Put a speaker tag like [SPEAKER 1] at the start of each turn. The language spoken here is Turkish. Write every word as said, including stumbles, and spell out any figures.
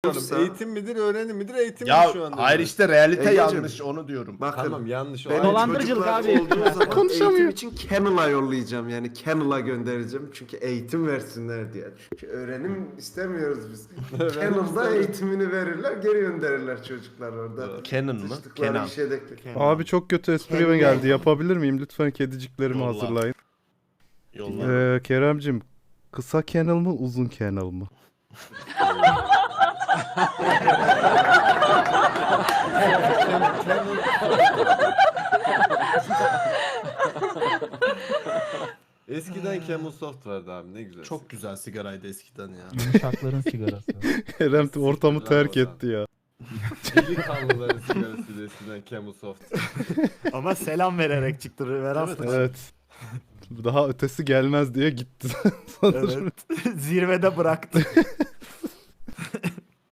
[SPEAKER 1] otursa-
[SPEAKER 2] Eğitim midir, öğrenim midir, eğitim
[SPEAKER 3] Ya
[SPEAKER 2] mi şu anda?
[SPEAKER 3] hayır işte realite
[SPEAKER 1] Egeciğim.
[SPEAKER 3] yanlış onu diyorum.
[SPEAKER 1] Bakın
[SPEAKER 2] Tamam yanlış. O
[SPEAKER 1] benim
[SPEAKER 2] ayrı.
[SPEAKER 4] Dolandırıcılık
[SPEAKER 1] çocuklar
[SPEAKER 4] abi.
[SPEAKER 1] olduğu zaman
[SPEAKER 5] Konuşamıyor.
[SPEAKER 1] eğitim için Kennel'a yollayacağım yani Kennel'a göndereceğim çünkü eğitim versinler diye. Çünkü öğrenim istemiyoruz biz. Kennel'da eğitimini verirler geri gönderirler çocuklar orada.
[SPEAKER 3] Canon mı?
[SPEAKER 1] Sıçtıkları
[SPEAKER 3] Kenan.
[SPEAKER 1] işe de-
[SPEAKER 5] Abi çok kötü espri
[SPEAKER 1] Kendine-
[SPEAKER 5] geldi. Yapabilir miyim? Lütfen kediciklerimi
[SPEAKER 3] Yolla.
[SPEAKER 5] hazırlayın.
[SPEAKER 3] Yolla.
[SPEAKER 5] Ee, Keremcim, kısa kennel mı, uzun kennel mı?
[SPEAKER 2] Eskiden Camel Soft vardı abi ne güzel.
[SPEAKER 3] Çok güzel sigaraydı eskiden ya.
[SPEAKER 4] Şarkların sigarası.
[SPEAKER 5] Kerem de ortamı terk etti ya.
[SPEAKER 2] Delikanlıların sigarasıydı eskiden Camel Soft.
[SPEAKER 6] Ama selam vererek çıktı Veras'ta.
[SPEAKER 5] Evet. Daha ötesi gelmez diye gitti sanırım.
[SPEAKER 6] Evet. Zirvede bıraktı.